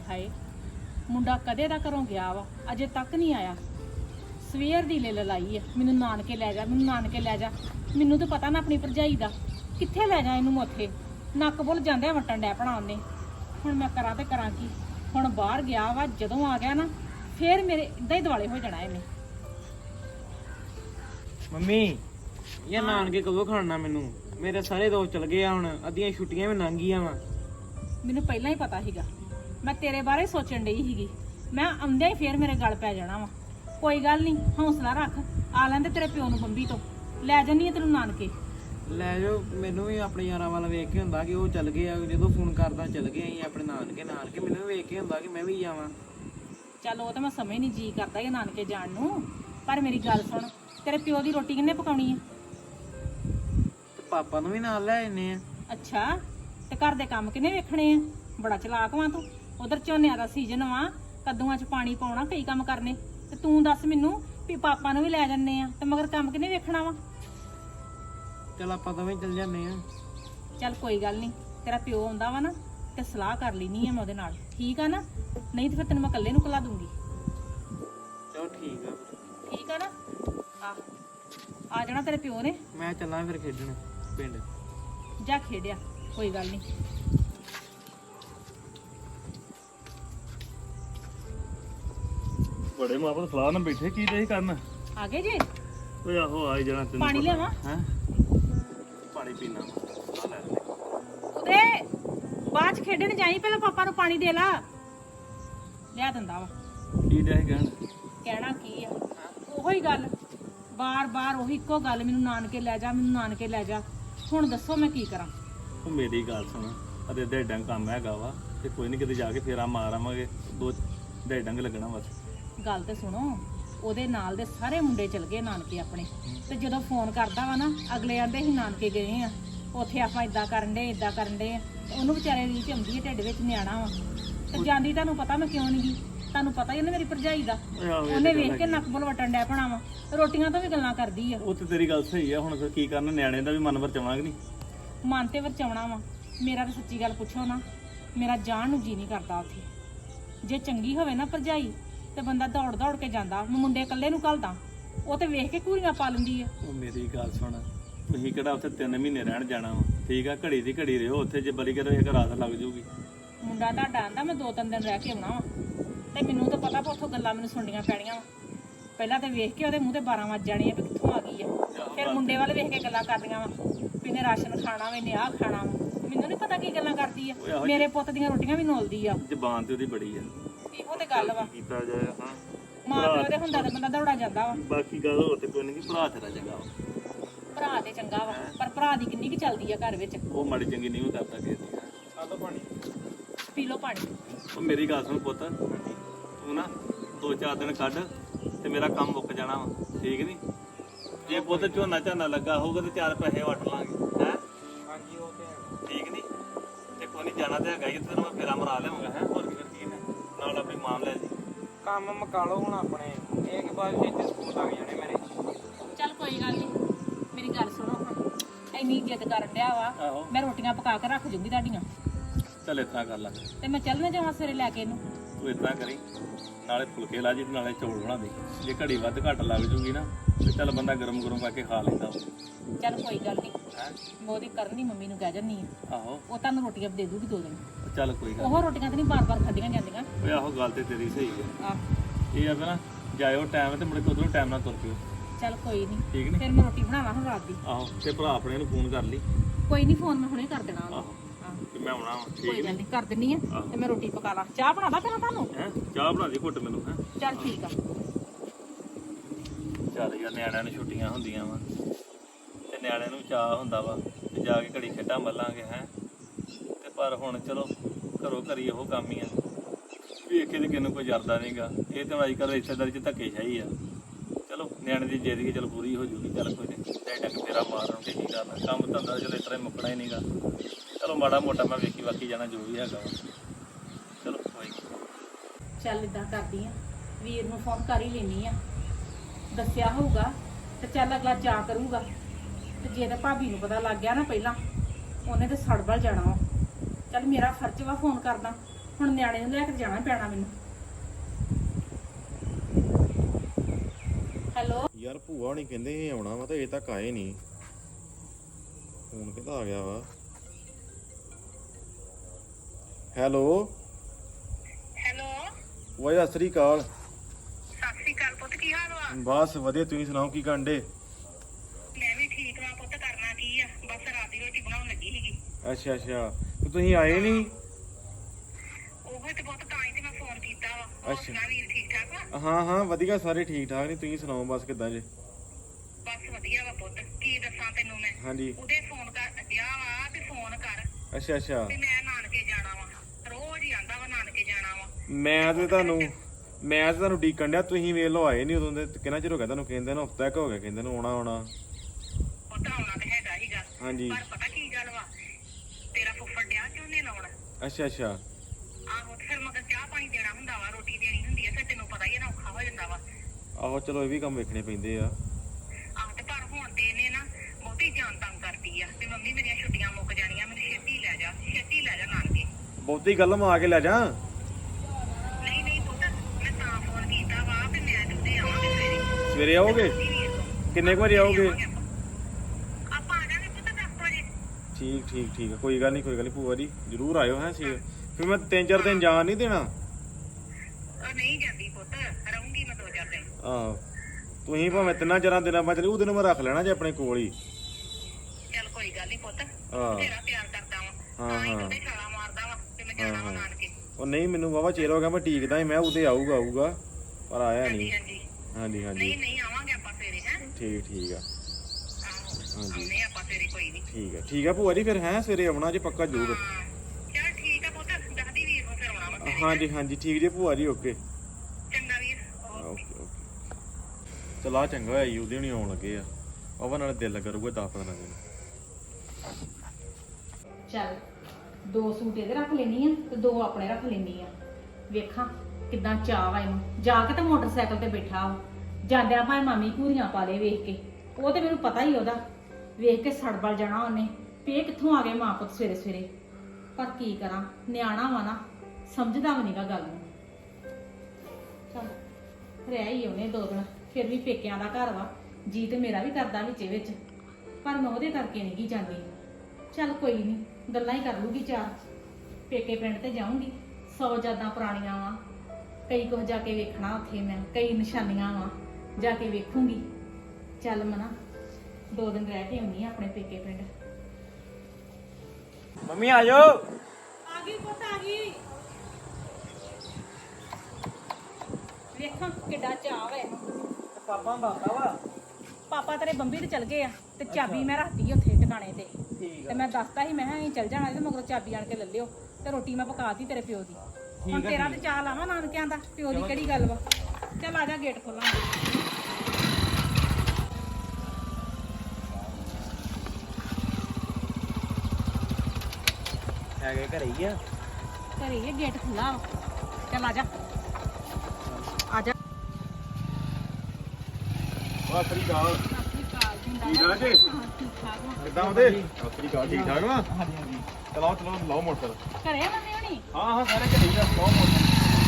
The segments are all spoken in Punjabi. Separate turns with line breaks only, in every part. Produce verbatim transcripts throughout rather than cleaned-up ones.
ਹਾਏ ਮੁੰਡਾ ਕਦੇ ਦਾ ਘਰੋਂ ਗਿਆ ਵਾ ਅਜੇ ਤੱਕ ਨਹੀਂ ਆਇਆ। ਸਵੇਰ ਦੀ ਲੈ ਲਾਈ ਆ ਮੈਨੂੰ ਨਾਨਕੇ ਲੈ ਜਾ ਮੈਨੂੰ ਨਾਨਕੇ ਲੈ ਜਾ। ਮੈਨੂੰ ਤਾਂ ਪਤਾ ਨਾ ਆਪਣੀ ਭਰਜਾਈ ਦਾ ਕਿੱਥੇ ਲੈ ਜਾ ਇਹਨੂੰ ਮੋਥੇ ਨੱਕ ਬੁੱਲ ਜਾਂਦੇ ਵਟਣ ਡੈ ਪਣਾ ਉਹਨੇ। ਹੁਣ ਮੈਂ ਕਰਾਂ ਤੇ ਕਰਾਂ ਕੀ। ਹੁਣ ਬਾਹਰ ਗਿਆ ਵਾ ਜਦੋਂ ਆ ਗਿਆ ਨਾ ਫੇਰ ਮੇਰੇ ਇਦਾਂ ਹੀ ਦਿਵਾਲੇ ਹੋ ਜਾਣਾ ਇਹਨੇ।
ਮੰਮੀ ਇਹ ਨਾਨਕੇ ਕਦੋਂ ਖਾਣਾ ਮੈਨੂੰ? ਮੇਰੇ ਸਾਰੇ ਦੋਸਤ ਚਲ ਗਏ ਆ ਹੁਣ ਅੱਧੀਆਂ ਛੁੱਟੀਆਂ ਵੀ ਲੰਘ ਗਈਆਂ ਵਾ।
ਮੈਨੂੰ ਪਹਿਲਾਂ ਹੀ ਪਤਾ ਸੀਗਾ ਮੈਂ ਤੇਰੇ ਬਾਰੇ ਸੋਚਣ ਡਈ ਸੀਗੀ ਮੈਂ ਆਉਂਦਿਆਂ ਹੀ ਫੇਰ ਮੇਰੇ ਗਲ ਪੈ ਜਾਣਾ ਵਾ। ਕੋਈ ਗੱਲ ਨਹੀਂ ਹੌਸਲਾ ਰੱਖ ਆ ਲੈਂਦੇ ਤੇਰੇ ਪਿਓ ਨੂੰ ਬੰਬੀ ਤੋਂ ਲੈ ਜਾਨੀ ਆ ਤੈਨੂੰ ਨਾਨਕੇ।
ਲੈ ਜਾਓ ਮੈਨੂੰ ਵੀ ਆਪਣੇ ਯਾਰਾਂ ਵੱਲ ਵੇਖ ਕੇ ਹੁੰਦਾ ਕਿ ਉਹ ਚੱਲ ਗਏ ਆ। ਜਦੋਂ ਫੋਨ ਕਰਦਾ ਚੱਲ ਗਏ ਅਸੀਂ ਆਪਣੇ ਨਾਨਕੇ ਨਾਨਕੇ ਮੈਨੂੰ ਵੀ ਵੇਖ ਕੇ ਹੁੰਦਾ ਕਿ ਮੈਂ ਵੀ ਜਾਵਾਂ।
ਚੱਲ ਉਹ ਤਾਂ ਮੈਂ ਸਮਝ ਨਹੀਂ ਜੀ ਕਰਦਾ ਇਹ ਨਾਨਕੇ ਜਾਣ ਨੂੰ। ਪਰ ਮੇਰੀ ਗੱਲ ਸੁਣ ਤੇਰੇ ਪਿਓ ਦੀ ਰੋਟੀ ਕਿੰਨੇ ਪਕਾਉਣੀ ਆ?
ਤੇ ਪਾਪਾ ਨੂੰ ਵੀ ਨਾਲ ਲੈ ਆਨੇ ਆ।
ਅੱਛਾ ਤੇ ਘਰ ਦੇ ਕੰਮ ਕਿੰਨੇ ਵੇਖਣੇ ਆ? ਬੜਾ ਚਲਾਕ ਵਾਂ ਤੂੰ। ਉਧਰ ਝੋਨਿਆਂ ਦਾ ਸੀਜ਼ਨ ਵਾ ਕੱਦੂਆਂ 'ਚ ਪਾਣੀ ਪਾਉਣਾ ਕਈ ਕੰਮ ਕਰਨੇ ਤੇ ਤੂੰ ਦੱਸ ਮੈਨੂੰ ਵੀ ਪਾਪਾ ਨੂੰ ਵੀ ਲੈ ਜੰਨੇ ਆ ਤੇ ਮਗਰ ਕੰਮ ਕਿੰਨੇ ਵੇਖਣਾ ਵਾ?
ਚਲ ਆਪਾਂ ਦੋਵੇਂ ਚੱਲ ਜਾਂਦੇ ਆ।
ਚੱਲ ਕੋਈ ਗੱਲ ਨਹੀਂ ਤੇਰਾ ਪਿਓ ਆਉਂਦਾ ਵਾ ਨਾ ਤੇ ਸਲਾਹ ਕਰ ਲੈਣੀ ਆ ਮੈਂ ਉਹਦੇ ਨਾਲ ਠੀਕ ਆ ਨਾ? ਨਹੀਂ ਤੇ ਫਿਰ ਤੈਨੂੰ ਮੈਂ ਇਕੱਲੇ ਨੂੰ ਕਲਾ ਦੂੰਗੀ।
ਚਲੋ ਠੀਕ ਆ।
ਠੀਕ ਆ ਨਾ? ਆ ਆ ਜਾਣਾ ਤੇਰੇ ਪਿਓ ਨੇ।
ਮੈਂ ਚੱਲਾਂ ਫਿਰ ਖੇਡਣ ਪਿੰਡ।
ਜਾ ਖੇਡਿਆ ਕੋਈ ਗੱਲ ਨਹੀਂ।
ਬੜੇ ਮਾਪੇ ਸਲਾਹ ਨਾਲ ਬੈਠੇ ਕੀ ਦੇ ਕਰਨ?
ਆ ਗਏ ਜੀ?
ਓਏ ਆਹੋ ਆ ਹੀ ਜਾਣਾ ਤੈਨੂੰ
ਪਾਣੀ ਲਿਆਵਾਂ?
ਹੈ ਪਾਣੀ ਪੀਣਾ ਆ ਲੈ ਲੈ।
ਉਦੇ ਬਾਅਦ ਚ ਖੇਡਣ ਜਾਈ ਪਹਿਲਾਂ ਪਾਪਾ ਨੂੰ ਪਾਣੀ ਦੇ ਲਾ। ਲਿਆ ਦਿੰਦਾ ਵਾ।
ਕੀ ਦੇ ਕਹਿਣ?
ਕਹਿਣਾ ਕੀ ਆ ਉਹੋ ਹੀ ਗੱਲ ਬਾਰ ਬਾਰ ਉਹੀ ਇੱਕੋ ਗੱਲ ਮੈਨੂੰ ਨਾਨਕੇ ਲੈ ਜਾ ਮੈਨੂੰ ਨਾਨਕੇ ਲੈ ਜਾ। ਹੁਣ ਦੱਸੋ ਮੈਂ ਕੀ ਕਰਾਂ?
ਉਹ ਮੇਰੀ ਗੱਲ ਸੁਣ ਅਦੇ ਦੇ ਡੰਗ ਕੰਮ ਹੈਗਾ ਵਾ ਤੇ ਕੋਈ ਨਹੀਂ ਕਿਤੇ ਜਾ ਕੇ ਫੇਰਾ ਮਾਰ ਆਵਾਂਗੇ। ਦੋ ਦੇ ਡੰਗ ਲੱਗਣਾ ਬਸ।
ਗੱਲ ਤੇ ਸੁਣੋ ਉਹਦੇ ਨਾਲ ਦੇ ਸਾਰੇ ਮੁੰਡੇ ਚਲ ਗਏ ਨਾਨਕੇ ਆਪਣੇ ਤੇ ਜਦੋਂ ਫੋਨ ਕਰਦਾ ਵਾ ਨਾ ਅਗਲੇ ਆਂਦੇ ਅਸੀਂ ਨਾਨਕੇ ਗਏ ਆ ਉੱਥੇ ਆਪਾਂ ਇਦਾਂ ਕਰਨ ਦੇ ਇਦਾਂ ਕਰਨ ਦੇ ਉਹਨੂੰ ਵਿਚਾਰੇ ਦੀ ਆਉਂਦੀ ਹੈ ਢਿੱਡ ਵਿੱਚ ਨਿਆਣਾ ਵਾ ਤੇ ਜਾਂਦੀ ਤੁਹਾਨੂੰ ਪਤਾ ਮੈਂ ਕਿਉਂ ਨਹੀਂ ਗਈ? ਤੁਹਾਨੂੰ ਪਤਾ ਹੀ ਉਹਨੇ ਮੇਰੀ ਭਰਜਾਈ ਦਾ ਉਹਨੇ ਵੇਖ ਕੇ ਨੱਕ ਬੁੱਲ ਵਟਣ ਡੈ ਪਣਾ ਵਾ ਰੋਟੀਆਂ ਤੋਂ ਵੀ ਗੱਲਾਂ ਕਰਦੀ ਆ।
ਉਹ ਤੇ ਤੇਰੀ ਗੱਲ ਸਹੀ ਆ। ਹੁਣ ਫਿਰ ਕੀ ਕਰਨਾ ਨਿਆਣੇ ਦਾ ਵੀ ਮਨ ਵਰਚਾਵਾਂਗੇ ਨਹੀਂ।
ਮਨ ਤੇ ਵਰਚਾਉਣਾ ਵਾ। ਮੇਰਾ ਤਾਂ ਸੱਚੀ ਗੱਲ ਪੁੱਛੋ ਨਾ ਮੇਰਾ ਜਾਣ ਨੂੰ ਜੀ ਨਹੀਂ ਕਰਦਾ ਉੱਥੇ। ਜੇ ਚੰਗੀ ਹੋਵੇ ਨਾ ਭਰਜਾਈ ਤੇ ਬੰਦਾ ਦੌੜ ਦੌੜ ਕੇ ਜਾਂਦਾ। ਮੈਂ ਮੁੰਡੇ ਇਕੱਲੇ ਨੂੰ ਘੱਲਦਾ ਉਹ ਤੇ ਵੇਖ ਕੇ ਘੂਰੀਆਂ ਪਾ ਲੈਂਦੀ ਆ।
ਉਹ ਮੇਰੀ ਗੱਲ ਸੁਣ ਤੁਸੀਂ ਕਿਹੜਾ ਉੱਥੇ ਤਿੰਨ ਮਹੀਨੇ ਰਹਿਣ ਜਾਣਾ ਵਾ? ਠੀਕ ਆ ਘੜੀ ਦੀ ਘੜੀ ਰਹੋ ਉੱਥੇ। ਜੇ ਬਲੀ ਕਰੋ ਇੱਕ ਰਾਤ ਲੱਗ ਜਾਊਗੀ।
ਮੁੰਡਾ ਤੁਹਾਡਾ ਆਂਦਾ ਮੈਂ ਦੋ ਤਿੰਨ ਦਿਨ ਰਹਿ ਕੇ ਆਉਣਾ ਵਾ ਤੇ ਮੈਨੂੰ ਤਾਂ ਪਤਾ ਉੱਥੋਂ ਗੱਲਾਂ ਮੈਨੂੰ ਸੁਣਨੀਆਂ ਪੈਣੀਆਂ ਵਾ। ਪਹਿਲਾਂ ਤੇ ਵੇਖ ਕੇ ਉਹਦੇ ਮੂੰਹ ਤੇ ਬਾਰਾਂ ਵੱਜ ਜਾਣੇ ਆ ਵੀ ਕਿੱਥੋਂ ਆ ਗਈ ਆ। ਫਿਰ ਮੁੰਡੇ ਵੱਲ ਵੇਖ ਕੇ ਗੱਲਾਂ ਕਰਦੀਆਂ ਵਾ ਵੀ ਇਹਨੇ ਰਾਸ਼ਨ ਖਾਣਾ ਵਾ ਇਹਨੇ ਆਹ ਖਾਣਾ ਵਾ। ਮੈਨੂੰ ਨਹੀਂ ਪਤਾ ਕੀ ਗੱਲਾਂ ਕਰਦੀ ਆ। ਮੇਰੇ ਪੁੱਤ ਦੀਆਂ ਰੋਟੀਆਂ ਵੀ ਨੋਲਦੀ ਆ।
ਜ਼ਬਾਨ ਤੇ ਉਹਦੀ ਬੜੀ ਆ।
ਇਹੋ ਤੇ ਗੱਲ ਵਾ।
ਕੀਤਾ ਜਾਏ ਹਾਂ
ਮਾਂ ਪਿਓ ਦੇ ਹੁੰਦਾ ਤੇ ਬੰਦਾ ਦੌੜਾ ਜਾਂਦਾ ਵਾ।
ਬਾਕੀ ਗੱਲ ਹੋਰ ਤੇ ਕੋਈ ਨਹੀਂ ਭਰਾ ਤੇਰਾ ਚੰਗਾ ਵਾ।
ਭਰਾ ਤੇ ਚੰਗਾ ਵਾ ਪਰ ਭਰਾ ਦੀ ਕਿੰਨੀ ਕੀ ਚੱਲਦੀ ਆ ਘਰ ਵਿੱਚ।
ਉਹ ਮਾੜੀ ਚੰਗੀ ਨਹੀਂ ਕਰਦਾ ਕਿਸੇ ਦੀ।
ਆ ਤਾਂ ਪਾਣੀ
ਪੀ ਲਓ ਪਾਣੀ।
ਉਹ ਮੇਰੀ ਗੱਲ ਸੁਣ ਪੁੱਤ ਤੂੰ ਨਾ ਦੋ ਚਾਰ ਦਿਨ ਕੱਢ ਤੇ ਮੇਰਾ ਕੰਮ ਮੁੱਕ ਜਾਣਾ ਵਾ। ਠੀਕ ਨਹੀਂ? ਜੇ ਪੁੱਤ ਝੋਨਾ ਝਾਨਾ ਲੱਗਾ ਹੋਊਗਾ ਤੇ ਚਾਰ ਪੈਸੇ ਵਟ ਲਾਂਗੇ ਹੈ।
ਹਾਂਜੀ ਉਹ ਤੇ ਹੈ।
ਠੀਕ ਨਹੀਂ? ਤੇ ਕੋਈ ਨਹੀਂ ਜਾਣਾ ਤੇ ਹੈਗਾ ਹੀ ਤੈਨੂੰ ਮੈਂ ਫੇਰਾ ਮਰਾ ਲਿਆਉਂਗਾ ਹੈ। ਹੋਰ ਕੀ ਫਿਰ ਕੀ ਨੇ ਨਾਲ ਆਪਣੀ ਮਾਂ ਲੈ ਜੀ।
ਕੰਮ ਮਕਾ ਲਓ ਹੁਣ ਆਪਣੇ। ਇਹ ਕਿ ਬਾਅਦ ਵਿੱਚ ਸਕੂਲ ਲੱਗ ਜਾਣੇ ਮੇਰੇ।
ਚੱਲ ਕੋਈ ਗੱਲ ਨਹੀਂ ਮੇਰੀ ਗੱਲ ਸੁਣੋ ਹੁਣ ਇੰਨੀ ਜਿੱਦ ਕਰਨ ਡਿਆ ਵਾ
ਆਹੋ
ਮੈਂ ਰੋਟੀਆਂ ਪਕਾ ਕੇ ਰੱਖ ਜੂੰਗੀ ਤੁਹਾਡੀਆਂ
ਚੱਲ ਇਸ ਤਰ੍ਹਾਂ ਕਰ ਲਾ।
ਤੇ ਮੈਂ ਚੱਲ ਨਾ ਜਾਵਾਂ ਸਵੇਰੇ ਲੈ ਕੇ ਇਹਨੂੰ।
ਤੂੰ ਇਸ ਤਰ੍ਹਾਂ ਕਰੀ ਨਾਲੇ ਫੁਲਕੇ ਲਾ ਜੀ ਤੇ ਨਾਲੇ ਚੌਲ ਬਣਾ ਦੇ। ਜੇ ਘੜੀ ਵੱਧ ਘੱਟ ਲੱਗ ਜੂਗੀ ਨਾ ਤੇ ਚੱਲ ਬੰਦਾ ਗਰਮ ਗਰਮ ਕਰਕੇ ਖਾ ਲੈਂਦਾ ਵਾ।
ਚੱਲ ਕੋਈ ਗੱਲ ਨਹੀਂ
ਹੈ
ਮੈਂ ਉਹਦੀ ਕਰਨੀ ਮੰਮੀ ਨੂੰ ਕਹਿ ਜੰਨੀ ਆ
ਆਹੋ
ਉਹ ਤੁਹਾਨੂੰ ਰੋਟੀਆਂ ਦੇ ਦੂਗੀ ਦੋ ਦਿਨ।
ਚੱਲ ਕੋਈ ਗੱਲ
ਉਹ ਰੋਟੀਆਂ ਤੇ ਨਹੀਂ ਬਾਰ-ਬਾਰ ਖਾਧੀਆਂ ਜਾਂਦੀਆਂ।
ਓਏ ਆਹੋ ਗੱਲ ਤੇ ਤੇਰੀ ਸਹੀ ਹੈ।
ਆਹ
ਇਹ ਆ ਵੀ ਨਾ ਜਾਇਓ ਟਾਈਮ ਤੇ ਮੁੜ ਕੇ ਉਧਰੋਂ ਟਾਈਮ ਨਾਲ ਤੁਰ ਪਿਓ।
ਚੱਲ ਕੋਈ ਨਹੀਂ
ਠੀਕ ਨੇ?
ਫਿਰ ਮੈਂ ਰੋਟੀ ਬਣਾਵਾਂ ਹੁਣ ਰਾਤ ਦੀ।
ਆਹੋ ਤੇ ਭਰਾ ਆਪਣੇ ਨੂੰ ਫੋਨ ਕਰ ਲਈ।
ਕੋਈ ਨਹੀਂ ਫੋਨ ਮੈਂ ਹੁਣੇ ਕਰ ਦੇਣਾ ਉਹਨੂੰ।
ਆਹੋ
ਆਹ
ਤੇ ਮੈਂ ਆਉਣਾ ਵਾ।
ਕੋਈ
ਠੀਕ
ਗੱਲ
ਨੇ?
ਨਹੀਂ ਕਰ ਦਿੰਨੀ ਆ
ਆਹੋ।
ਤੇ ਮੈਂ ਰੋਟੀ ਪਕਾ ਲਾਂ। ਚਾਹ ਬਣਾ ਦਾਂ ਪਹਿਲਾਂ ਤੁਹਾਨੂੰ?
ਹੈ ਚਾਹ ਬਣਾ ਦੀ ਘੁੱਟ ਮੈਨੂੰ ਹੈ।
ਚੱਲ ਠੀਕ ਆ।
ਚੱਲ ਯਾਰ ਨਿਆਣਿਆਂ ਨੂੰ ਛੁੱਟੀਆਂ ਹੁੰਦੀਆਂ ਵਾ ਤੇ ਨਿਆਣਿਆਂ ਨੂੰ ਚਾਹ ਹੁੰਦਾ ਵਾ ਤੇ ਜਾ ਕੇ ਘੜੀ ਖੇਡਾਂ ਮੱਲਾਂਗੇ ਹੈ। ਤੇ ਪਰ ਹੁਣ ਚਲੋ ਘਰੋਂ ਘਰੀ ਉਹ ਕੰਮ ਹੀ ਆ। ਵੇਖੇ ਤੇ ਕਿਨੂੰ ਕੋਈ ਜਰਦਾ ਨਹੀਂਗਾ। ਇਹ ਤਾਂ ਅੱਜ ਕੱਲ੍ਹ ਰਿਸ਼ਤੇਦਾਰੀ 'ਚ ਧੱਕੇ ਸ਼ਾਹੀ ਆ। ਚਲੋ ਨਿਆਣੇ ਦੀ ਜ਼ਿੰਦਗੀ ਚਲ ਪੂਰੀ ਹੋ ਜੂਗੀ। ਚੱਲ ਕੋਈ ਨਹੀਂ ਡੈਡਾ ਕਿ ਫੇਰਾ ਮਾਰਨਗੇ ਕੀ ਕਰਨਾ ਕੰਮ ਧੰਦਾ ਚਲੋ ਇਸ ਤਰ੍ਹਾਂ ਹੀ ਮੁੱਕਣਾ ਹੀ ਨਹੀਂਗਾ। ਚਲੋ ਮਾੜਾ ਮੋਟਾ ਮੈਂ ਵੇਖੀ ਵਾਕੀ ਜਾਣਾ ਜੋ ਵੀ ਹੈਗਾ ਵਾ। ਚਲੋ ਕੋਈ
ਚੱਲ ਇਦਾਂ ਕਰਦੀ ਆ ਵੀਰ ਨੂੰ ਫੋਨ ਕਰ ਹੀ ਲੈਣੀ ਆ। ਦੱਸਿਆ ਹੋਊਗਾ ਤੇ ਚੱਲ ਅਗਲਾ ਜਾ ਕਰੂਗਾ ਤੇ ਜੇ ਤਾਂ ਭਾਬੀ ਨੂੰ ਪਤਾ ਲੱਗ ਗਿਆ ਨਾ ਪਹਿਲਾਂ ਉਹਨੇ ਤੇ ਸੜਬਲ ਜਾਣਾ ਵਾ। ਚੱਲ ਮੇਰਾ ਫਰਜ਼ ਵਾ ਫੋਨ ਕਰਦਾ ਹੁਣ ਨਿਆਣੇ ਨੂੰ ਲੈ ਕੇ ਜਾਣਾ ਪੈਣਾ ਮੈਨੂੰ। ਹੈਲੋ
ਯਾਰ ਭੂਆ ਨਹੀਂ ਕਹਿੰਦੇ ਸੀ ਆਉਣਾ ਵਾ ਤੇ ਅਜੇ ਤੱਕ ਆਏ ਨਹੀਂ। ਫੋਨ ਕਿਹਦਾ ਆ ਗਿਆ ਵਾ? ਹੈਲੋ
ਹੈਲੋ
ਵਾਹਿ ਸਤਿ ਸ੍ਰੀ ਅਕਾਲ।
ਸਤਿ ਸ਼੍ਰੀ ਅਕਾਲ ਪੁੱਤ, ਕੀ ਹਾਲ ਵਾ?
ਬਸ ਵਧੀਆ, ਤੁਸੀਂ ਸੁਣਾਓ ਕੀ ਕਰਨ ਡੇ?
ਮੈਂ ਵੀ ਠੀਕ ਵਾਂ ਪੁੱਤ, ਕਰਨਾ ਕੀ ਆ, ਬਸ ਰਾਤ ਦੀ ਰੋਟੀ ਬਣਾਉਣ ਲੱਗੀ ਸੀਗੀ।
ਅੱਛਾ ਅੱਛਾ, ਤੇ ਤੁਸੀਂ ਆਏ ਨਹੀਂ?
ਉਹੋ ਤੇ ਪੁੱਤ ਤਾਂ ਹੀ ਤੇ ਮੈਂ ਫੋਨ ਕੀਤਾ ਵਾ। ਹੋਰ
ਅੱਛਾ।
ਸੁਣਾ ਵੀਰ, ਠੀਕ ਠਾਕ ਵਾ?
ਹਾਂ ਹਾਂ ਵਧੀਆ, ਸਾਰੇ ਠੀਕ ਠਾਕ ਨੇ। ਤੁਸੀਂ ਸੁਣਾਓ ਬਸ ਕਿੱਦਾਂ ਜੇ?
ਬਸ ਵਧੀਆ ਵਾ ਪੁੱਤ, ਕੀ ਦੱਸਾਂ ਤੈਨੂੰ ਮੈਂ।
ਹਾਂਜੀ।
ਉਹਦੇ ਫੋਨ ਕਰ ਗਿਆ ਵਾ ਤੇ ਫੋਨ ਕਰ
ਅੱਛਾ ਅੱਛਾ,
ਤੇ ਮੈਂ ਨਾਨਕੇ ਜਾਣਾ ਵਾ। ਰੋਜ਼ ਹੀ ਆਂਦਾ ਵਾ ਨਾਨਕੇ ਜਾਣਾ ਵਾ।
ਮੈਂ ਤੇ ਤੁਹਾਨੂੰ ਮੈਂ ਤੇ ਤੁਹਾਨੂੰ ਡੀਕਣ ਡਿਆ, ਤੁਸੀਂ ਵੇਖ ਲਓ ਆਏ ਨਹੀਂ ਉਦੋਂ ਦੇ। ਕਿੰਨਾ ਚਿਰ ਹੋ ਗਿਆ ਤੁਹਾਨੂੰ ਕਹਿੰਦੇ ਨੂੰ? ਹਫ਼ਤਾ ਕੁ ਹੋ ਗਿਆ ਕਹਿੰਦੇ ਨੂੰ ਆਉਣਾ ਆਉਣਾ।
ਪੁੱਤ ਆਉਣਾ ਤੇ ਹੈਗਾ ਹੀਗਾ,
ਹਾਂਜੀ।
ਪਰ ਪਤਾ ਕੀ ਗੱਲ ਵਾ, ਤੇਰਾ ਫੁੱਫੜ ਡਿਆ ਝੋਨੇ ਲਾਉਣ।
ਅੱਛਾ ਅੱਛਾ,
ਆਹੋ, ਤੇ ਫਿਰ ਮਗਰ ਚਾਹ ਪਾਣੀ ਦੇਣਾ ਹੁੰਦਾ ਵਾ, ਰੋਟੀ ਦੇਣੀ ਹੁੰਦੀ ਆ, ਫਿਰ ਤੈਨੂੰ ਪਤਾ ਹੀ ਆ ਨਾ, ਔਖਾ ਹੋ ਜਾਂਦਾ ਵਾ।
ਆਹੋ ਚਲੋ ਇਹ ਵੀ ਕੰਮ ਵੇਖਣੇ ਪੈਂਦੇ ਆ।
ਆਹ ਤੇ ਪਰ ਹੁਣ ਤੇ ਇਹਨੇ ਨਾ ਬਹੁਤੀ ਜਾਨ ਤੰਗ ਕਰਦੀ ਆ ਤੇ ਮੰਮੀ ਮੇਰੀਆਂ ਛੁੱਟੀਆਂ ਮੁੱਕ ਜਾਣੀਆਂ, ਮੈਨੂੰ ਛੇਤੀ ਲੈ ਜਾ, ਛੇਤੀ ਲੈ ਜਾ ਨਾਨਕੇ।
ਬਹੁਤੀ ਗੱਲ ਮਾ ਕੇ ਲੈ ਜਾ।
ਨਹੀਂ ਨਹੀਂ ਪੁੱਤ, ਮੈਂ ਤਾਂ ਫੋਨ ਕੀਤਾ ਵਾ ਵੀ ਮੈਂ ਤੇ ਉਹਦੇ ਆਵਾਂਗੇ ਸਵੇਰੇ।
ਸਵੇਰੇ ਆਓਗੇ? ਕਿੰਨੇ ਕੁ ਵਜੇ ਆਓਗੇ?
ਆਪਾਂ ਆ ਜਾਾਂਗੇ ਪੁੱਤ ਦਸ ਵਜੇ।
ਠੀਕ ਠੀਕ ਠੀਕ ਆ, ਕੋਈ ਗੱਲ ਨਹੀਂ ਕੋਈ ਗੱਲ ਨਹੀਂ ਭੂਆ ਜੀ, ਜ਼ਰੂਰ ਆਇਓ। ਹੈ ਸੀ ਫਿਰ ਮੈਂ ਤਿੰਨ ਚਾਰ ਦਿਨ ਜਾਣ ਨਹੀਂ ਦੇਣਾ।
ਉਹ ਨਹੀਂ ਜਾਂਦੀ ਪੁੱਤ, ਰਹੂੰਗੀ ਮੈਂ ਦੋ ਚਾਰ ਦਿਨ।
ਆਹੋ, ਤੁਸੀਂ ਭਾਵੇਂ ਤਿੰਨਾਂ ਚਾਰਾਂ ਦਿਨਾਂ ਬਾਅਦ ਚਲੇ, ਉਹਦੇ ਨੂੰ ਮੈਂ ਰੱਖ ਲੈਣਾ ਜੇ ਆਪਣੇ ਕੋਲ ਹੀ।
ਚੱਲ ਕੋਈ ਗੱਲ ਨਹੀਂ ਪੁੱਤ,
ਆਹ।
ਤੇਰਾ ਪਿਆਰ ਕਰਦਾ ਵਾ,
ਹਾਂ,
ਤਾਂ ਹੀ
ਹਾਂ।
ਉਹਦੇ ਛਾਲਾ ਮਾਰਦਾ ਵਾ ਤੇ ਮੈਂ ਜਾਣਾ ਵਾ ਨਾਨਕੇ।
ਉਹ ਨਹੀਂ, ਮੈਨੂੰ ਵਾਵਾ ਚਿਰ ਹੋ ਗਿਆ, ਮੈਂ ਟੀਕਦਾ ਸੀ, ਮੈਂ ਉਹਦੇ ਆਊਗਾ ਆਊਗਾ ਪਰ ਆਇਆ
ਹਾਂਜੀ
ਨਹੀਂ।
ਹਾਂਜੀ,
ਹਾਂਜੀ ਹਾਂਜੀ,
ਨਹੀਂ ਨਹੀਂ ਆਵਾਂਗੇ ਆਪਾਂ ਸਵੇਰੇ। ਹੈ
ਠੀਕ ਠੀਕ ਆ।
ਆਹੋ,
ਹਾਂਜੀ।
ਆਉਂਦੇ ਆਪਾਂ ਸਵੇਰੇ, ਕੋਈ ਨਹੀਂ।
ਠੀਕ ਆ ਠੀਕ ਆ ਭੂਆ ਜੀ, ਫਿਰ ਹੈ ਸਵੇਰੇ ਆਉਣਾ ਜੇ ਪੱਕਾ ਜ਼ਰੂਰ।
ਹਾਂ, ਚੱਲ ਠੀਕ ਆ ਪੁੱਤ, ਦੱਸਦੀ ਵੀਰ ਨੂੰ ਫਿਰ ਆਉਣਾ ਵਾ ਸਵੇਰੇ।
ਹਾਂਜੀ ਹਾਂਜੀ ਠੀਕ ਜੇ ਭੂਆ ਜੀ, ਓਕੇ
ਚੰਗਾ ਵੀਰ, ਓਕੇ।
Okay okay. ਚਲ ਆ ਚੰਗਾ ਹੋਇਆ ਜੀ, ਉਹਦੇ ਹੁਣੀ ਆਉਣ ਲੱਗੇ ਆ। ਉਹ ਨਾਲ ਦਿਲ ਕਰੂਗਾ ਦਸ ਪੰਦਰਾਂ ਦਿਨ।
ਚੱਲ ਦੋ ਸੂਟ ਇਹਦੇ ਰੱਖ ਲੈਣੀ ਆ ਤੇ ਦੋ ਆਪਣੇ ਰੱਖ ਲੈਣੀ ਆ। ਵੇਖਾਂ ਕਿਦਾਂ ਚਾਹ ਵਾ ਇਹਨੂੰ, ਜਾ ਕੇ ਤਾਂ ਮੋਟਰਸਾਈਕਲ ਤੇ ਬੈਠਾ ਵਾ, ਜਾਂਦਿਆਂ ਭਾਵੇਂ ਮਾਮੀ ਘੂਰੀਆਂ ਪਾ ਲੇ। ਵੇਖ ਕੇ ਉਹ ਤੇ ਮੈਨੂੰ ਪਤਾ ਹੀ ਉਹਦਾ, ਵੇਖ ਕੇ ਸੜਬਲ ਜਾਣਾ ਉਹਨੇ ਵੀ ਇਹ ਕਿੱਥੋਂ ਆ ਗਏ ਮਾਂ ਪੁੱਤ ਸਵੇਰੇ ਸਵੇਰੇ। ਪਰ ਕੀ ਕਰਾਂ, ਨਿਆਣਾ ਵਾ ਨਾ, ਸਮਝਦਾ ਵੀ ਨਹੀਂਗਾ ਗੱਲ ਨੂੰ। ਚੱਲ ਰਹਿ ਹੀ ਉਹਨੇ ਦੋ ਦਿਨ, ਫਿਰ ਵੀ ਪੇਕਿਆਂ ਦਾ ਘਰ ਵਾ, ਜੀ ਤੇ ਮੇਰਾ ਵੀ ਕਰਦਾ ਵਿੱਚੇ ਵਿੱਚ, ਪਰ ਮੈਂ ਉਹਦੇ ਕਰਕੇ ਨਹੀਂ ਗਈ ਜਾਂਦੀ। ਚੱਲ ਕੋਈ ਨਹੀਂ, ਗੱਲਾਂ ਹੀ ਕਰ ਲੂਗੀ ਚਾਰ। ਪੇਕੇ ਪਿੰਡ ਤੇ ਜਾਊਂਗੀ, ਸੌ ਯਾਦਾਂ ਪੁਰਾਣੀਆਂ ਵਾ, ਕਈ ਕੁਝ ਜਾ ਕੇ ਵੇਖਣਾ ਉੱਥੇ ਮੈਂ, ਕਈ ਨਿਸ਼ਾਨੀਆਂ ਵਾ, ਜਾ ਕੇ ਵੇਖੂੰਗੀ। ਚੱਲ ਮਨਾ, ਦੋ ਦਿਨ ਰਹਿ ਕੇ ਆਉਣੀ ਆ ਆਪਣੇ ਪੇਕੇ ਪਿੰਡ।
ਮੰਮੀ ਆ ਜਾਓ।
ਆ ਗਈ ਪੁੱਤ ਆ ਗਈ। ਵੇਖਾਂ ਕਿੱਡਾ ਚਾਹ ਵਾ ਇਹਨੂੰ।
ਪਾਪਾ ਬਾਬਾ ਵਾ।
ਪਾਪਾ ਤੇਰੇ ਬੰਬੀ ਤੇ ਚਲ ਗਏ ਆ ਤੇ ਚਾਬੀ ਮੈਂ ਰੱਖਤੀ ਉੱਥੇ ਟਿਕਾਣੇ ਤੇ।
ਠੀਕ
ਤੇ ਮੈਂ ਦੱਸਤਾ ਸੀ, ਮੈਂ ਕਿਹਾ ਅਸੀਂ ਚੱਲ ਜਾਣਾ ਤੇ ਮਗਰੋਂ ਚਾਬੀ ਆਣ ਕੇ ਲੈ ਲਿਓ, ਤੇ ਰੋਟੀ ਮੈਂ ਪਕਾਤੀ ਤੇਰੇ ਪਿਓ ਦੀ। ਹੁਣ
ਆ,
ਤੇਰਾ
ਠੀਕ
ਤੇ ਚਾਹ ਲਾਵਾਂ ਨਾਨਕਿਆਂ ਦਾ, ਪਿਓ ਦੀ ਕਿਹੜੀ ਗੱਲ ਵਾ। ਚੱਲ ਆ ਜਾ, ਗੇਟ ਖੋਲਾਂਗੇ।
ਹੈਗੇ ਘਰੇ ਹੀ ਆ।
ਘਰੇ ਇਹ ਗੇਟ ਖੁੱਲਾ ਵਾ, ਚੱਲ ਆ ਜਾ ਆ ਜਾ।
ਆ ਸ੍ਰੀ ਅਕਾਲ।
ਸਤਿ ਸ਼੍ਰੀ ਅਕਾਲ ਜੀ।
ਠੀਕ ਠਾਕ ਜੀ?
ਹਾਂ, ਠੀਕ ਠਾਕ ਵਾ।
ਕਿੱਦਾਂ ਉਹਦੇ? ਸਤਿ ਸ੍ਰੀ ਅਕਾਲ, ਠੀਕ ਠਾਕ ਵਾ?
ਹਾਂਜੀ ਹਾਂਜੀ।
ਚਲਾਓ ਚਲੋ, ਲਾਓ ਮੋਟਰ।
ਘਰੇ ਆ ਮੰਮੀ ਹੋਣੀ?
ਹਾਂ ਹਾਂ ਸਾਰੇ ਘਰੇ ਹੀ ਆ, ਲਾਓ ਮੋਟਰ।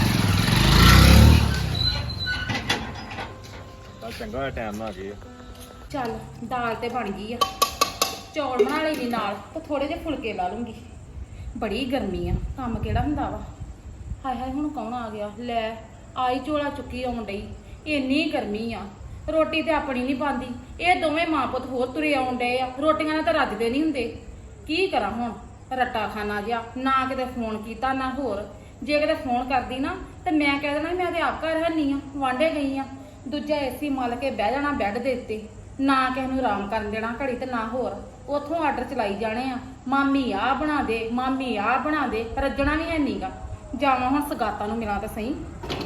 ਚੱਲ ਚੰਗਾ ਹੋਇਆ ਟਾਈਮ ਨਾਲ ਆ ਗਏ ਆ।
ਚੱਲ ਦਾਲ ਤੇ ਬਣ ਗਈ ਆ, ਚੌਲ ਬਣਾ ਲਈ ਦੀ ਨਾਲ, ਤੇ ਥੋੜੇ ਜਿਹੇ ਫੁਲਕੇ ਲਾ ਲੂੰਗੀ। ਬੜੀ ਗਰਮੀ ਆ, ਕੰਮ ਕਿਹੜਾ ਹੁੰਦਾ ਵਾ। ਹਾਏ ਹਾਏ ਹੁਣ ਕੌਣ ਆ ਗਿਆ? ਲੈ ਆਈ ਝੋਲਾ ਚੁੱਕੀ ਆਉਣ ਡਈ। ਇੰਨੀ ਗਰਮੀ ਆ, ਰੋਟੀ ਤੇ ਆਪਣੀ ਨਹੀਂ ਪਾਉਂਦੀ, ਇਹ ਦੋਵੇਂ ਮਾਂ ਪੁੱਤ ਹੋਰ ਤੁਰੇ ਆਉਣ ਡਏ ਆ। ਰੋਟੀਆਂ ਨਾਲ ਤਾਂ ਰੱਜਦੇ ਨਹੀਂ ਹੁੰਦੇ। ਕੀ ਕਰਾਂ ਹੁਣ, ਰੱਟਾ ਖਾਣਾ ਜਿਹਾ, ਨਾ ਕਿਤੇ ਫੋਨ ਕੀਤਾ ਨਾ ਹੋਰ। ਜੇ ਕਿਤੇ ਫੋਨ ਕਰਦੀ ਨਾ ਤੇ ਮੈਂ ਕਹਿ ਦੇਣਾ ਮੈਂ ਤੇ ਆਪ ਘਰ ਹੈਨੀ ਆ, ਵਾਂਢੇ ਗਈ ਆ। ਦੂਜਾ ਏਸੀ ਮਲ ਕੇ ਬਹਿ ਜਾਣਾ ਬੈੱਡ ਦੇ ਉੱਤੇ, ਨਾ ਕਿਸੇ ਨੂੰ ਆਰਾਮ ਕਰਨ ਦੇਣਾ ਘੜੀ ਤੇ ਨਾ ਹੋਰ। ਉੱਥੋਂ ਆਰਡਰ ਚਲਾਈ ਜਾਣੇ ਆ, ਮਾਮੀ ਆਹ ਬਣਾ ਦੇ, ਮਾਮੀ ਆਹ ਬਣਾ ਦੇ। ਰੱਜਣਾ ਵੀ ਹੈ ਨੀਗਾ। ਜਾਵਾਂ ਹੁਣ ਸਗਾਤਾਂ ਨੂੰ ਮਿਲਾਂ ਤਾਂ ਸਹੀ।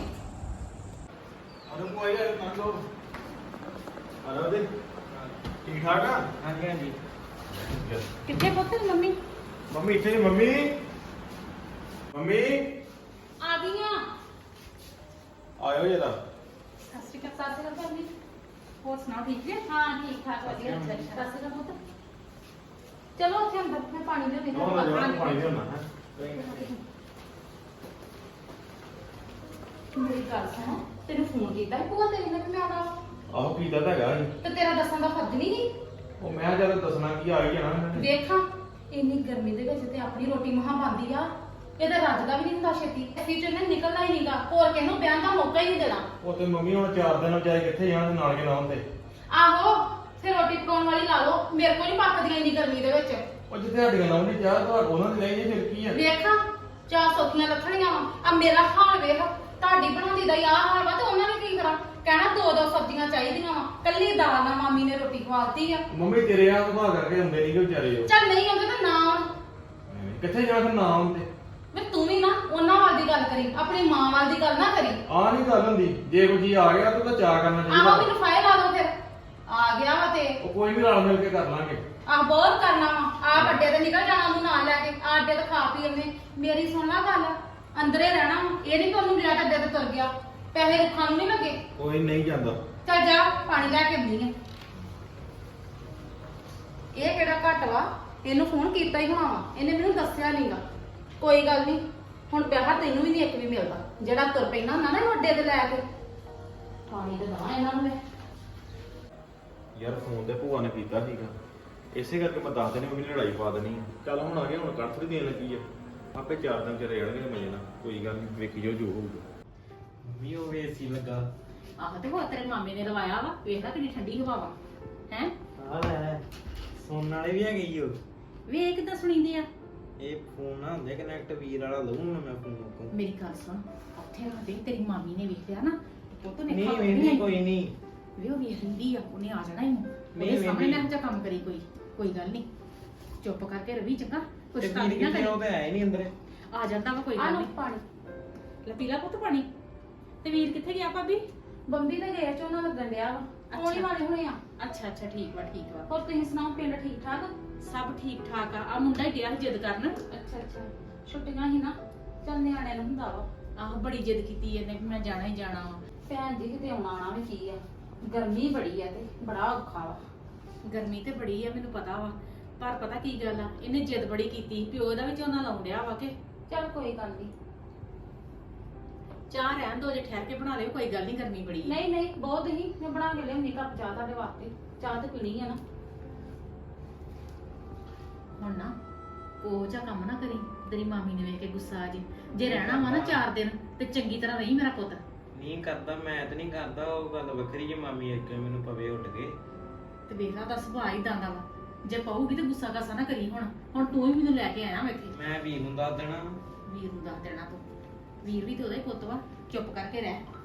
ਅਰੇ ਭੂਆ ਜੀ ਆ ਲੋ। ਆ ਲੋ ਦੇ। ਠੀਕ ਠਾਕ ਆ?
ਹਾਂਜੀ ਹਾਂਜੀ।
ਕਿੱਥੇ ਪੁੱਤ ਮੰਮੀ?
ਮੰਮੀ ਇੱਥੇ ਨੀ। ਮੰਮੀ ਮੰਮੀ
ਆ ਗਈਆਂ।
ਆਇਓ ਜਰਾ।
ਸਤਿ ਸ਼੍ਰੀ ਅਕਾਲ। ਸਤਿ ਸ਼੍ਰੀ ਅਕਾਲ ਭਾਬੀ। ਹੋਰ ਸੁਣਾਓ, ਠੀਕ ਜੀ? ਹਾਂ ਠੀਕ ਠਾਕ, ਵਧੀਆ। ਸਤਿ ਸ਼੍ਰੀ ਅਕਾਲ ਪੁੱਤ। ਚਲੋ ਉੱਥੇ ਅੰਦਰ ਮੈਂ ਪਾਣੀ ਦੇ ਦੇ
ਨੋ ਨਾ ਜਰਾ ਪਾਣੀ ਦੇਣਾ ਹੈ।
ਮੇਰੀ ਗੱਲ ਸੁਣ, ਤੈਨੂੰ ਫੋਨ ਕੀਤਾ ਸੀ ਭੂਆ ਤੇਰੀ ਨੇ ਕਿ ਮੈਂ ਆਉਣਾ ਵਾ?
ਆਹੋ ਕੀਤਾ ਤਾਂ ਹੈਗਾ ਜੀ।
ਤੇ ਤੇਰਾ ਦੱਸਣ ਦਾ ਫਰਜ਼ ਨਹੀਂ ਸੀ?
ਉਹ ਮੈਂ ਜਦ ਦੱਸਣਾ ਕੀ ਆ ਹੀ ਜਾਣਾ ਇਹਨਾਂ ਨੇ।
ਵੇਖਾਂ ਇੰਨੀ ਗਰਮੀ ਦੇ ਵਿੱਚ ਤੇ ਆਪਣੀ ਰੋਟੀ ਮਹਾ ਬਣਦੀ ਆ, ਇਹਦਾ ਰੱਜਦਾ ਵੀ ਨਹੀਂ ਹੁੰਦਾ ਛੇਤੀ। ਅਸੀਂ ਚ ਇਹਨੇ ਨਿਕਲਣਾ ਹੀ ਨਹੀਂਗਾ, ਹੋਰ ਕਿਸੇ ਨੂੰ ਬਿਆਨ ਦਾ ਮੌਕਾ ਹੀ ਨਹੀਂ ਦੇਣਾ।
ਉਹ ਤੇ ਮੰਮੀ ਹੁਣ ਚਾਰ ਦਿਨ ਵਿਚਾਰੇ ਕਿੱਥੇ ਜਾਣ ਤੇ ਨਾਲ ਕੇ ਨਾ ਹੁੰਦੇ।
ਆਹੋ ਫਿਰ ਰੋਟੀ ਪਕਾਉਣ ਵਾਲੀ ਲਾ ਲਓ, ਮੇਰੇ ਕੋਲ ਨਹੀਂ ਪੱਕਦੀਆਂ ਇੰਨੀ ਗਰਮੀ ਦੇ ਵਿੱਚ।
ਉਹ ਜਿੱਥੇ ਹੱਡੀਆਂ ਲਾਉਂਦੀ ਚਾਹ ਤਾਂ ਉਹਨਾਂ ਦੀ ਲਈ ਜੇ ਫਿਰ ਕੀ ਆ।
ਵੇਖਾਂ ਚਾਹ ਸੌਖੀਆਂ ਲੱਥਣੀਆਂ ਵਾ, ਆ ਮੇਰਾ ਹਾਲ ਵੇਖ, ਤੁਹਾਡੀ ਬਣਾਉਂਦੀ ਦਾ ਯਾਰ ਹਾਲ ਵਾ ਤੇ ਉਹਨਾਂ ਨੇ ਕੀ ਕਰਾਂ? ਕਹਿਣਾ ਦੋ ਦੋ ਸਬਜ਼ੀਆਂ ਚਾਹੀਦੀਆਂ ਵਾ, ਕੱਲੀ ਦਾਲ ਨਾਲ ਮਾਮੀ ਨੇ ਰੋਟੀ ਖਵਾਤੀ ਆ।
ਮੰਮੀ ਤੇਰੇ ਆ ਸੁਭਾਅ ਕਰਕੇ ਹੁੰਦੇ ਨਹੀਂ ਕਿ ਵਿਚਾਰੇ ਉਹ।
ਚੱਲ ਨਹੀਂ ਆਉਂਦੇ ਤਾਂ ਨਾ ਆਉਣ।
ਕਿੱਥੇ ਜਾਣਾ ਫਿਰ ਨਾ ਆਉਂਦੇ।
ਵੇ ਤੂੰ ਵੀ ਨਾ ਉਹਨਾਂ ਵੱਲ ਦੀ ਗੱਲ ਕਰੀ, ਆਪਣੀ ਮਾਂ ਵੱਲ ਦੀ ਗੱਲ ਨਾ ਕਰੀ।
ਆ ਨਹੀਂ ਗੱਲ ਹੁੰਦੀ, ਜੇ ਕੋਈ ਜੀ ਆ ਗਿਆ ਤੂੰ ਤਾਂ ਚਾਹ ਕਰਨਾ
ਆਹੋ
ਚਾਹੀਦਾ।
ਮੈਨੂੰ ਫਾਇਲ ਲਾ ਦੋ ਫਿਰ, ਆ ਗਿਆ ਵਾ ਤੇ
ਉਹ ਕੋਈ ਵੀ ਰਲ ਮਿਲ ਕੇ ਕਰ ਲਾਂਗੇ।
ਆਹ ਬਹੁਤ ਕਰਨਾ ਵਾ। ਆ ਵੱਡੇ ਤੇ ਨਿਕਲ ਜਾਣਾ ਉਹਨੂੰ ਨਾਲ ਲੈ ਕੇ, ਆ ਅੱਡੇ ਤੇ ਖਾ ਪੀ ਉਹਨੇ। ਮੇਰੀ ਸੁਣ ਲਾ ਗੱਲ, ਅੰਦਰੇ ਰਹਿਣਾ ਵਾ, ਇਹ ਨਹੀਂ ਕਿ ਉਹਨੂੰ ਲਿਆ ਕੇ ਅੱਡੇ ਤੇ ਤੁਰ ਗਿਆ। ਪੈਸੇ ਰੁੱਖਾਂ ਨੂੰ ਨਹੀਂ ਲੱਗੇ।
ਕੋਈ ਨਹੀਂ ਜਾਂਦਾ।
ਚੱਲ ਜਾ ਪਾਣੀ ਲੈ ਕੇ ਆਉਂਦੀ ਆ। ਇਹ ਕਿਹੜਾ ਘੱਟ ਵਾ, ਇਹਨੂੰ ਫੋਨ ਕੀਤਾ ਹੀ ਹੋਣਾ ਵਾ, ਇਹਨੇ ਮੈਨੂੰ ਦੱਸਿਆ ਨਹੀਂਗਾ। ਕੋਈ ਗੱਲ ਨਹੀਂ, ਹੁਣ ਪਿਆਰ ਤੈਨੂੰ ਵੀ ਨਹੀਂ ਇੱਕ ਵੀ ਮਿਲਦਾ, ਜਿਹੜਾ ਤੁਰ ਪੈਣਾ ਹੁੰਦਾ ਨਾ ਇਹਨੂੰ ਅੱਡੇ ਤੇ ਲੈ ਕੇ। ਪਾਣੀ ਤੇ ਦਵਾ ਇਹਨਾਂ ਨੂੰ ਮੈਂ।
ਯਾਰ ਫੋਨ ਤੇ ਭੂਆ ਨੇ ਕੀਤਾ ਸੀਗਾ, ਇਸੇ ਕਰਕੇ ਮੈਂ ਦੱਸ ਦੇਣੀ ਮੰਮੀ ਨੇ ਲੜਾਈ ਪਾ ਦੇਣੀ ਆ। ਚੱਲ ਹੁਣ ਆ ਗਿਆ, ਹੁਣ ਕੱਢ ਥੋੜੀ ਦੇਣ ਲੱਗੀ ਆ, ਆਪੇ ਚਾਰ ਦਿਨ ਚ ਰਹਿ ਜਾਣਗੇ ਮਜੇ ਨਾਲ। ਕੋਈ ਗੱਲ ਨਹੀਂ, ਵੇਖੀ ਜਾਓ ਜੋ ਹੋਊਗਾ।
ਮੰਮੀ ਉਹ ਏਸੀ ਲੱਗਾ।
ਆਹ ਤੇ ਹੋਰ ਤੇਰੇ ਮਾਮੇ ਨੇ ਲਵਾਇਆ ਵਾ, ਵੇਖਦਾ ਕਿੰਨੀ ਠੰਡੀ ਹਵਾ ਵਾ ਹੈ।
ਆ ਲੈ ਸੋਨ ਵਾਲੇ ਵੀ ਹੈਗੇ ਈ ਉਹ।
ਵੇ ਕਿੱਦਾਂ ਸੁਣੀਂਦੇ ਆ।
ਇਹ ਫੋਨ ਨਾ ਹੁੰਦੇ ਕਨੈਕਟ ਵੀਰ ਵਾਲਾ ਲਊਂ ਮੈਂ ਫੋਨ ਕੋ।
ਮੇਰੀ ਗੱਲ ਸੁਣ, ਉੱਥੇ ਆਦੇ ਤੇਰੀ ਮਾਮੀ ਨੇ ਵੇਖ ਲਿਆ ਨਾ, ਪੁੱਤ ਨੇ
ਨਹੀਂ
ਖਾ
ਵੇਖਦੀ ਕੋਈ ਨਹੀਂ।
ਵੇ ਉਹ ਵੇਖ ਲੈਂਦੀ ਆ, ਉਹਨੇ ਆ ਜਾਣਾ ਇਹਨੂੰ।
ਨਹੀਂ
ਉਹਦੇ ਸਾਹਮਣੇ
ਵੇਖਦੀ।
ਨਾ ਜਾ ਕੰਮ ਕਰੀ ਕੋਈ, ਕੋਈ ਗੱਲ ਨਹੀਂ, ਚੁੱਪ ਕਰਕੇ ਰਵੀ ਚੰਗਾ, ਕੁਛ
ਤੇ
ਕੰਮ
ਵੀਰ
ਨਾ
ਕਿੱਥੇ
ਕਰੀ।
ਉਹ ਤੇ ਆਏ ਨਹੀਂ ਅੰਦਰ।
ਆ ਜਾਂਦਾ ਵਾ ਕੋਈ
ਆ
ਗੱਲ
ਲਓ
ਨਹੀਂ।
ਪਾਣੀ।
ਲੈ ਪੀ ਲਾ ਪੁੱਤ ਪਾਣੀ। ਤੇ ਵੀਰ ਕਿੱਥੇ ਗਿਆ ਭਾਬੀ?
ਬੰਬੀ ਦੇ ਗਏ ਝੋਨਾ ਲੱਗਣ ਡਿਆ ਵਾ, ਆਉਣ ਹੀ ਵਾਲੇ ਹੋਣੇ ਆ।
ਅੱਛਾ ਅੱਛਾ ਠੀਕ ਵਾ ਠੀਕ ਵਾ।
ਹੋਰ ਤੁਸੀਂ ਸੁਣਾਓ, ਪਿੰਡ ਠੀਕ ਠਾਕ?
ਸਭ ਠੀਕ ਠਾਕ ਆ। ਆ ਮੁੰਡਾ ਹੀ ਗਿਆ ਸੀ ਜਿੱਦ ਕਰਨ।
ਅੱਛਾ ਅੱਛਾ, ਛੁੱਟੀਆਂ ਹੀ ਨਾ, ਚੱਲ ਨਿਆਣਿਆਂ ਨੂੰ ਹੁੰਦਾ ਵਾ।
ਆਹ ਬੜੀ ਜਿੱਦ ਕੀਤੀ ਇਹਨੇ ਵੀ ਮੈਂ ਜਾਣਾ ਹੀ ਜਾਣਾ ਵਾ।
ਭੈਣ ਜੀ ਕਿਤੇ ਆਉਣਾ ਆਣਾ ਵੀ ਕੀ ਆ, ਗਰਮੀ ਬੜੀ ਆ ਤੇ ਬੜਾ ਔਖਾ ਵਾ।
ਗਰਮੀ ਤੇ ਬੜੀ ਆ ਮੈਨੂੰ ਪਤਾ ਵਾ, ਪਰ ਪਤਾ ਕੀ ਗੱਲ ਆ, ਇਹਨੇ ਜਿੱਦ ਬੜੀ ਕੀਤੀ, ਪਿਓ ਦਾ ਵੀ ਝੋਨਾ ਲਾਉਣ ਡਿਆ ਵਾ ਕਿ।
ਚੱਲ ਕੋਈ ਗੱਲ ਨਹੀਂ।
ਚਾਹ ਰਹਿਣ ਦੋ, ਜੇ ਠਹਿਰ ਕੇ ਬਣਾ ਲਿਓ, ਕੋਈ ਗੱਲ ਨਹੀਂ, ਗਰਮੀ ਬੜੀ ਆ।
ਨਹੀਂ ਨਹੀਂ ਬਹੁਤ ਹੀ, ਮੈਂ ਬਣਾ ਕੇ ਲਿਆਉਣੀ ਕੱਪ ਚਾਹ ਤੁਹਾਡੇ ਵਾਸਤੇ। ਚਾਹ ਤੇ ਪੀਣੀ ਆ ਨਾ।
ਹੁਣ ਨਾ ਉਹ ਜਿਹਾ ਕੰਮ ਨਾ ਕਰੀ, ਤੇਰੀ ਮਾਮੀ ਨੇ ਵੇਖ ਕੇ ਗੁੱਸਾ ਆ ਜੇ। ਜੇ ਰਹਿਣਾ ਵਾ ਨਾ ਚਾਰ ਦਿਨ ਤੇ ਚੰਗੀ ਤਰ੍ਹਾਂ ਰਹੀ ਮੇਰਾ ਪੁੱਤ।
ਨਹੀਂ ਕਰਦਾ, ਮੈਂ ਤਾਂ ਨਹੀਂ ਕਰਦਾ। ਉਹ ਗੱਲ ਵੱਖਰੀ ਜੇ ਮਾਮੀ ਇੱਕ ਮੈਨੂੰ ਪਵੇ ਉੱਠ ਕੇ।
ਤੇ ਵੇਖ ਲਾ ਦਾ ਸੁਭਾਅ ਹੀ ਦਾਂਦਾ ਵਾ, ਜੇ ਪਊਗੀ ਤੇ ਗੁੱਸਾ ਕਾਸਾ ਨਾ ਕਰੀ। ਹੁਣ ਹੁਣ ਤੂੰ ਹੀ ਮੈਨੂੰ ਲੈ ਕੇ ਆਇਆ ਵਾ ਇੱਥੇ।
ਮੈਂ ਵੀਰ ਨੂੰ ਦੱਸ ਦੇਣਾ।
ਵੀਰ ਨੂੰ ਦੱਸ ਦੇਣਾ ਤੂੰ, ਵੀਰ ਵੀ ਤੇ ਉਹਦਾ ਹੀ ਪੁੱਤ ਵਾ, ਚੁੱਪ ਕਰਕੇ ਰਹਿ।